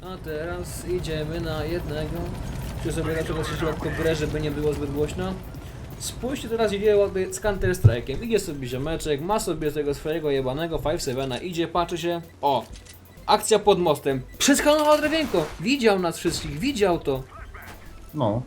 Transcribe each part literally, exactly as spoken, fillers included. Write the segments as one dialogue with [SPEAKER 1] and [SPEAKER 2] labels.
[SPEAKER 1] A teraz idziemy na jednego. Czy sobie raczej się lekko w grę, żeby nie było zbyt głośno. Spójrzcie teraz, idzie ładny z Counter Strike'iem. Idzie sobie ziomeczek, ma sobie tego swojego jebanego pięć siedem, idzie, patrzy się. O! Akcja pod mostem. Przeskanował drewienko. Widział nas wszystkich, widział to.
[SPEAKER 2] No.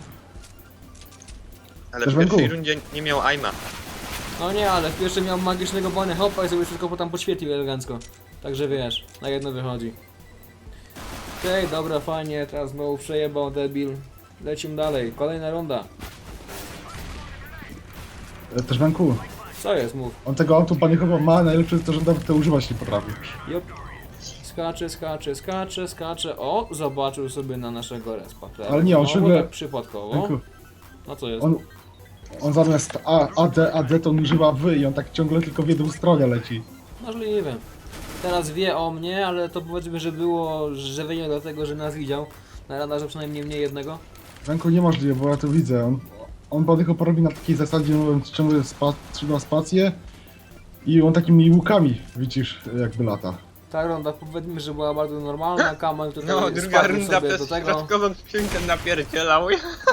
[SPEAKER 3] Ale
[SPEAKER 2] Też
[SPEAKER 3] w pierwszej
[SPEAKER 2] węgół.
[SPEAKER 3] rundzie nie miał aima.
[SPEAKER 1] No nie, ale w pierwszym miał magicznego bony hopa i sobie wszystko potem podświetlił elegancko. Także wiesz, na jedno wychodzi. Okej, okay, dobra, fajnie, teraz znowu przejebał debil. Lecimy dalej, kolejna runda.
[SPEAKER 2] E, Też Wenku.
[SPEAKER 1] Co jest, mów.
[SPEAKER 2] On tego autopanikowego ma, najlepsze jest to, że nawet to używać nie potrafi.
[SPEAKER 1] Jup. Skacze, skacze, skacze, skacze. O, zobaczył sobie na naszego respa.
[SPEAKER 2] Ale nie, on
[SPEAKER 1] Znowu
[SPEAKER 2] ciągle-
[SPEAKER 1] tak przypadkowo.
[SPEAKER 2] Wenku,
[SPEAKER 1] No co jest?
[SPEAKER 2] on, on zamiast A, AD, AD to on używa wy i on tak ciągle tylko w jedną stronę leci.
[SPEAKER 1] Możliwe. Teraz wie o mnie, ale to powiedzmy, że było żywienie dlatego, że nas widział. Na radarze przynajmniej mnie jednego.
[SPEAKER 2] Wenku niemożliwe, bo ja to widzę. On, on podych robi na takiej zasadzie, mówiąc, ciągle spa, trzyma spację i on takimi łukami, widzisz, jakby lata.
[SPEAKER 1] Ta runda powiedzmy, że była bardzo normalna, Kamal tutaj
[SPEAKER 3] No, druga
[SPEAKER 1] spadł
[SPEAKER 3] runda
[SPEAKER 1] sobie do
[SPEAKER 3] przez
[SPEAKER 1] tego.
[SPEAKER 3] środkową skrzynkę napierdzielał.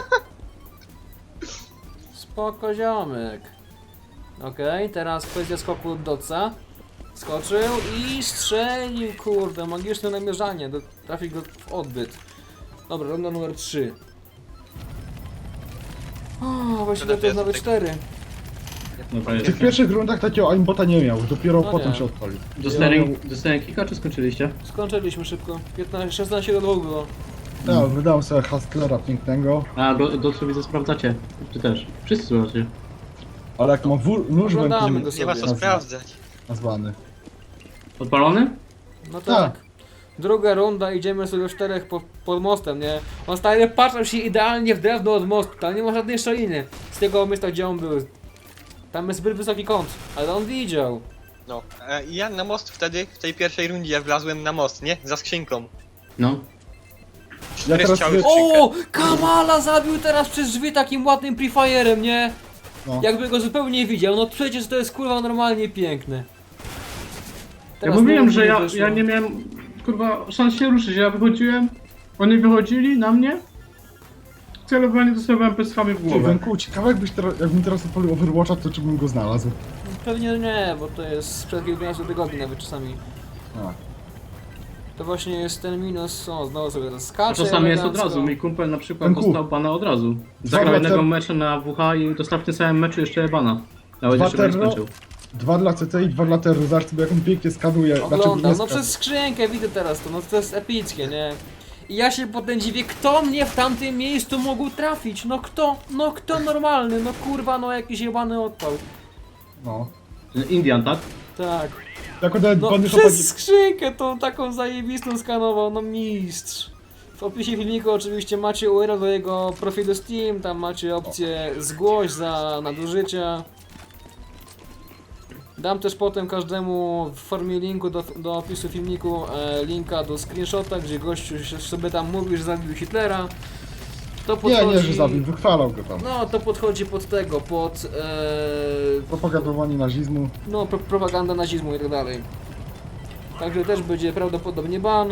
[SPEAKER 1] Spoko ziomek. Okej, teraz kwestia skoku od Dotsa. Skoczył i strzelił, kurde, magiczne namierzanie, do, trafi go w odbyt. Dobra, runda numer trzy. O, właściwie to jest nawet cztery.
[SPEAKER 4] Dobra,
[SPEAKER 2] W
[SPEAKER 4] jest.
[SPEAKER 2] tych pierwszych rundach takiego aimbota nie miał, dopiero
[SPEAKER 1] No
[SPEAKER 2] potem
[SPEAKER 1] nie.
[SPEAKER 2] się odpalił.
[SPEAKER 4] Dostałem, dostałem kika, czy skończyliście?
[SPEAKER 1] Skończyliśmy szybko. piętnaście, szesnaście do dwóch było.
[SPEAKER 2] Ja wydałem sobie Hustlera pięknego,
[SPEAKER 4] A, do, do co widzę sprawdzacie? Czy też? Wszyscy sprawdzacie.
[SPEAKER 2] ale jak ma wór, nóż
[SPEAKER 1] Oglądamy go
[SPEAKER 2] Wenku
[SPEAKER 3] Nie ma
[SPEAKER 1] sobie.
[SPEAKER 3] co
[SPEAKER 2] Nazwa.
[SPEAKER 3] sprawdzać.
[SPEAKER 2] nazwany.
[SPEAKER 4] Odpalony?
[SPEAKER 1] No tak. Druga runda, idziemy sobie w czterech po, pod mostem, nie? On stary patrzył się idealnie w drewno od mostu, tam nie ma żadnej szczeliny. Z tego miejsca, gdzie on był. Tam jest zbyt wysoki kąt, ale on widział.
[SPEAKER 3] No, e, i ja na most wtedy, w tej pierwszej rundzie wlazłem na most, nie? Za skrzynką.
[SPEAKER 4] No.
[SPEAKER 3] Cztery
[SPEAKER 2] teraz
[SPEAKER 3] strzały w
[SPEAKER 2] wy-
[SPEAKER 3] skrzynkę.
[SPEAKER 1] O! Kamala zabił teraz przez drzwi takim ładnym prefirem, nie?
[SPEAKER 2] No.
[SPEAKER 1] Jakby go zupełnie widział, no przecież to jest kurwa normalnie piękne.
[SPEAKER 4] Ja
[SPEAKER 1] Teraz
[SPEAKER 4] mówiłem,
[SPEAKER 1] znowu
[SPEAKER 4] że
[SPEAKER 1] mi
[SPEAKER 4] ja,
[SPEAKER 1] wyszło.
[SPEAKER 4] ja nie miałem, kurwa, szans się ruszyć. Ja wychodziłem, oni wychodzili na mnie. Celowanie dostawałem pestchami w
[SPEAKER 2] Ty,
[SPEAKER 4] głowę.
[SPEAKER 2] Wenku, ciekawe jakbyś teraz, jakbym teraz odpalił Overwatcha, to czy bym go znalazł?
[SPEAKER 1] Pewnie nie, bo to jest sprzed kilkunastu tygodni nawet czasami.
[SPEAKER 2] A.
[SPEAKER 1] To właśnie jest ten minus, o znowu sobie to
[SPEAKER 4] A
[SPEAKER 1] skacze
[SPEAKER 4] czasami jest od
[SPEAKER 1] elegancko.
[SPEAKER 4] razu. Mój kumpel na przykład
[SPEAKER 2] Wenku.
[SPEAKER 4] dostał bana od razu. Zagrał
[SPEAKER 2] Dwa
[SPEAKER 4] jednego
[SPEAKER 2] ter-
[SPEAKER 4] meczu na W H i dostał w tym samym meczu jeszcze bana. Nawet
[SPEAKER 2] Dwa
[SPEAKER 4] jeszcze go nie
[SPEAKER 2] terro-
[SPEAKER 4] skończył.
[SPEAKER 2] Dwa dla C T i dwa dla Terry, zobacz sobie jak on pięknie skanuje. Znaczy,
[SPEAKER 1] Oglądam,
[SPEAKER 2] nie
[SPEAKER 1] no
[SPEAKER 2] skan-
[SPEAKER 1] przez skrzynkę widzę teraz to, no to jest epickie, nie? I ja się potem dziwię, kto mnie w tamtym miejscu mógł trafić, no kto, no kto normalny, no kurwa, no jakiś jebany odpał.
[SPEAKER 2] No.
[SPEAKER 4] Indian, tak?
[SPEAKER 1] Tak,
[SPEAKER 2] Jako nawet
[SPEAKER 1] no
[SPEAKER 2] bany
[SPEAKER 1] przez
[SPEAKER 2] chłopaki...
[SPEAKER 1] skrzynkę tą taką zajebistą skanował, no mistrz. W opisie filmiku oczywiście macie U R L do jego profilu Steam, tam macie opcję zgłoś za nadużycia. Dam też potem każdemu w formie linku do, do opisu filmiku e, linka do screenshota, gdzie gościu się- sobie tam mówi, że zabił Hitlera. To
[SPEAKER 2] Nie,
[SPEAKER 1] podchodzi...
[SPEAKER 2] nie, że zabił, wychwalał go tam.
[SPEAKER 1] No, to podchodzi pod tego, pod e,
[SPEAKER 2] Propagowanie nazizmu.
[SPEAKER 1] no, pro, propaganda nazizmu i tak dalej. Także też będzie prawdopodobnie ban.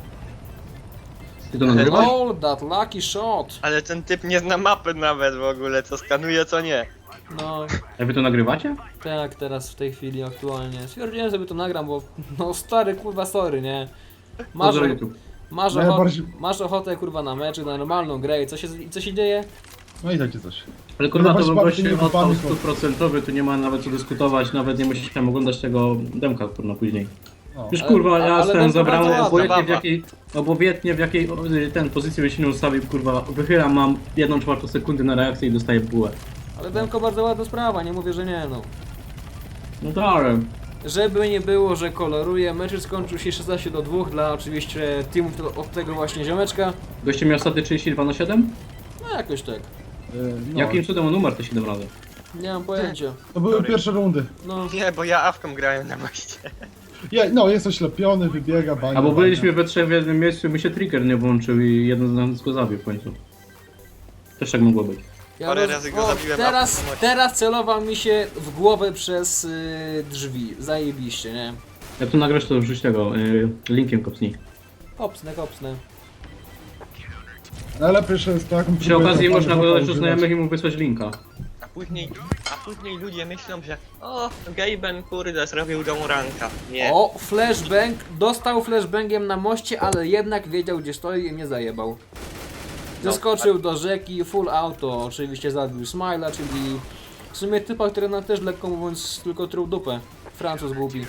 [SPEAKER 4] Ty to nagrywasz?
[SPEAKER 1] All that lucky shot.
[SPEAKER 3] Ale ten typ nie zna mapy nawet w ogóle, co skanuje, co nie.
[SPEAKER 1] No,
[SPEAKER 4] A wy to nagrywacie?
[SPEAKER 1] tak, teraz w tej chwili aktualnie. Stwierdziłem, żeby to nagram, bo no stary kurwa sorry, nie? Masz,
[SPEAKER 4] Pozdro YouTube.
[SPEAKER 1] masz,
[SPEAKER 2] No ja
[SPEAKER 1] ochotę,
[SPEAKER 2] bardziej-
[SPEAKER 1] masz ochotę kurwa na mecz, na normalną grę i co się, i co się dzieje?
[SPEAKER 2] No i takie coś.
[SPEAKER 4] Ale kurwa, to
[SPEAKER 2] No
[SPEAKER 4] był
[SPEAKER 2] właśnie
[SPEAKER 4] gość
[SPEAKER 2] bardzo nie
[SPEAKER 4] odpał
[SPEAKER 2] wypadnie, bo-
[SPEAKER 4] stuprocentowy, tu nie ma nawet co dyskutować, nawet nie musiałem oglądać tego demka kurwa później.
[SPEAKER 2] No.
[SPEAKER 4] Już
[SPEAKER 1] Ale-
[SPEAKER 4] kurwa,
[SPEAKER 1] ale
[SPEAKER 4] ja
[SPEAKER 1] demko
[SPEAKER 4] ten zabrałem
[SPEAKER 1] bardzo ładne,
[SPEAKER 4] obojętnie w
[SPEAKER 3] baba.
[SPEAKER 4] jakiej, obojętnie w jakiej o, ten pozycji by się nie ustawił, kurwa, wychylam, mam jedną czwartą sekundy na reakcję i dostaję bułę.
[SPEAKER 1] Ale demko bardzo ładna sprawa, nie mówię, że nie no.
[SPEAKER 4] No tak.
[SPEAKER 1] Żeby nie było, że koloruje, mecz skończył się szesnaście do dwóch dla oczywiście teamów to- od tego właśnie ziomeczka.
[SPEAKER 4] Goście miał ostatnio trzydzieści dwa na siedem?
[SPEAKER 1] No jakoś tak.
[SPEAKER 2] Yy, no.
[SPEAKER 4] Jakim cudem on numer te siedem razy?
[SPEAKER 1] Nie mam pojęcia.
[SPEAKER 2] To były
[SPEAKER 3] Sorry.
[SPEAKER 2] pierwsze rundy.
[SPEAKER 1] No,
[SPEAKER 3] Nie, bo ja awką grałem na moście.
[SPEAKER 2] Je, no, jest oślepiony, wybiega, bania.
[SPEAKER 4] Albo
[SPEAKER 2] bania.
[SPEAKER 4] byliśmy we trzech w jednym miejscu, by się trigger nie włączył i jeden z nas go zabił w końcu. Też tak mogło być.
[SPEAKER 1] ja
[SPEAKER 3] Parę
[SPEAKER 1] roz-
[SPEAKER 3] razy go
[SPEAKER 1] o,
[SPEAKER 3] zabiłem,
[SPEAKER 1] teraz,
[SPEAKER 3] a potem-
[SPEAKER 1] teraz celował mi się w głowę przez y, drzwi. Zajebiście, nie?
[SPEAKER 4] Jak tu nagrasz, to wrzuć tego, y, linkiem kopnij.
[SPEAKER 1] Kopsnę, kopsnę.
[SPEAKER 2] Najlepiej, że jest taką
[SPEAKER 4] Przy okazji można dodać do znajomych i mu wysłać linka.
[SPEAKER 3] A później, a później ludzie myślą, że o, Gaben kurde zrobił tą ranka. Nie.
[SPEAKER 1] O, flashbang. Dostał flashbangiem na moście, ale jednak wiedział gdzie stoi i mnie zajebał. Zeskoczył do rzeki, full auto. Oczywiście zabił Smile'a, czyli w sumie typa, który nam też lekko mówiąc tylko truł dupę. Francuz głupi.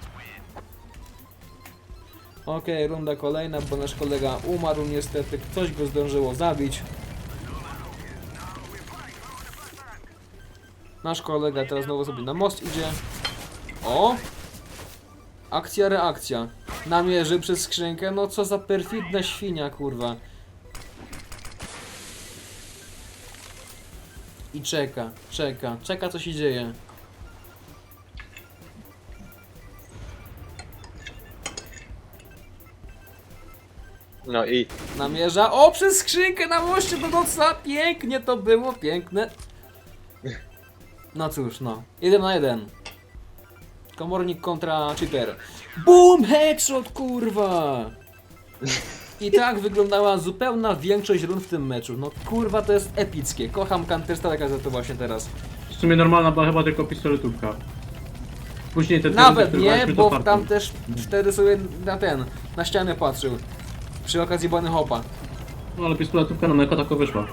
[SPEAKER 1] Okej, runda kolejna, bo nasz kolega umarł niestety. Ktoś go zdążyło zabić. Nasz kolega teraz znowu sobie na most idzie. O! Akcja, reakcja. Namierzy przez skrzynkę. No co za perfidna świnia, kurwa. I czeka, czeka, czeka co się dzieje.
[SPEAKER 3] No i
[SPEAKER 1] Namierza. O, przez skrzynkę na moście do noca. Pięknie to było, piękne. No cóż, no. Jeden na jeden. Komornik kontra cheater. Boom! Headshot, kurwa! I tak wyglądała zupełna większość rund w tym meczu. No kurwa, to jest epickie. Kocham Counter Strike'a za to właśnie teraz.
[SPEAKER 4] W sumie normalna była chyba tylko pistoletówka. Później te
[SPEAKER 1] Nawet
[SPEAKER 4] te-
[SPEAKER 1] nie,
[SPEAKER 4] te-
[SPEAKER 1] bo
[SPEAKER 4] fartem.
[SPEAKER 1] tam też wtedy sobie na ten, na ścianę patrzył. Przy okazji bany hopa.
[SPEAKER 4] No ale pistoletówka nam jako tako wyszła.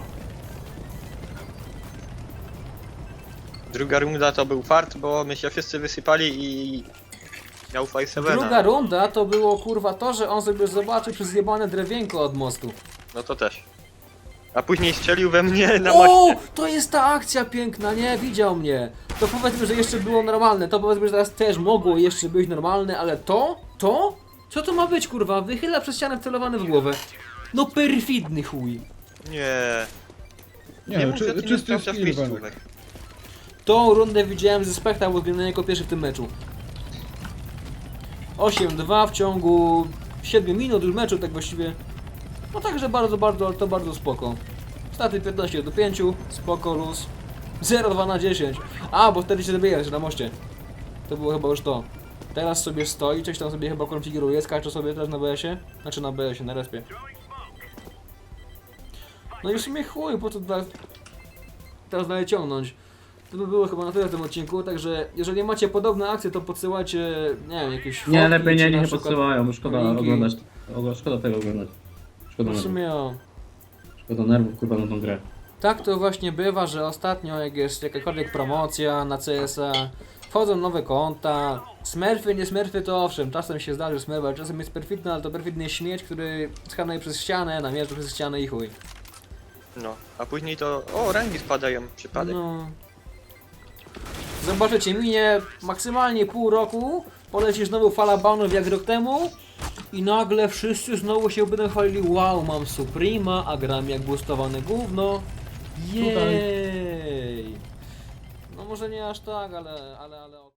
[SPEAKER 3] druga runda to był fart, bo my się wszyscy wysypali i miał five seven.
[SPEAKER 1] Druga runda to było kurwa to, że on sobie zobaczył przez zjebane drewienko od mostu.
[SPEAKER 3] No to też. A później strzelił we mnie na
[SPEAKER 1] O!
[SPEAKER 3] moście.
[SPEAKER 1] To jest ta akcja piękna, nie? Widział mnie. To powiedzmy, że jeszcze było normalne. To powiedzmy, że teraz też mogło jeszcze być normalne, ale to? To? Co to ma być kurwa? Wychyla przez ścianę celowany w głowę. No perfidny chuj.
[SPEAKER 3] Nie.
[SPEAKER 2] Nie,
[SPEAKER 3] mów,
[SPEAKER 2] czy,
[SPEAKER 3] że ty nie
[SPEAKER 2] czysty
[SPEAKER 3] sprawdzasz
[SPEAKER 2] skill,
[SPEAKER 3] miejscówek.
[SPEAKER 2] Benek.
[SPEAKER 1] Tą rundę widziałem ze spekta, bo zginąłem jako pierwszy w tym meczu. osiem dwa w ciągu siedmiu minut już meczu, tak właściwie. No także bardzo, bardzo, ale to bardzo spoko. Staty piętnaście do pięciu, spoko, luz. zero dwa na dziesięć. A, bo wtedy się zabijałeś na moście. To było chyba już to. Teraz sobie stoi, coś tam sobie chyba konfiguruje, skacze sobie teraz na B S-ie. Znaczy na B S-ie, na respie. No i w sumie chuj, po co teraz, teraz dalej ciągnąć. To by było chyba na tyle w tym odcinku, także jeżeli macie podobne akcje, to podsyłajcie, nie wiem, jakieś fotki,
[SPEAKER 4] Nie, lepiej
[SPEAKER 1] czy
[SPEAKER 4] nie,
[SPEAKER 1] na
[SPEAKER 4] nie
[SPEAKER 1] przykład-
[SPEAKER 4] podsyłają, bo szkoda
[SPEAKER 1] linki.
[SPEAKER 4] oglądać. o, Szkoda tego oglądać. Szkoda
[SPEAKER 1] W
[SPEAKER 4] nerwów.
[SPEAKER 1] sumie o.
[SPEAKER 4] Szkoda nerwów kurwa na tą grę.
[SPEAKER 1] Tak to właśnie bywa, że ostatnio jak jest jakakolwiek promocja na C S a, wchodzą nowe konta, smurfy, nie smurfy to owszem, czasem się zdarzy smurf, ale czasem jest perfidny, ale to perfidny śmieć, który skanuje przez ścianę, namierzy przez ścianę i chuj.
[SPEAKER 3] No. A później to. O, rangi spadają. Przypadek.
[SPEAKER 1] No. Zobaczycie, minie maksymalnie pół roku, poleci znowu fala banów jak rok temu i nagle wszyscy znowu się będą chwalili, wow, mam Suprema, a gram jak boostowane gówno. Jej! No może nie aż tak, ale, ale, ale...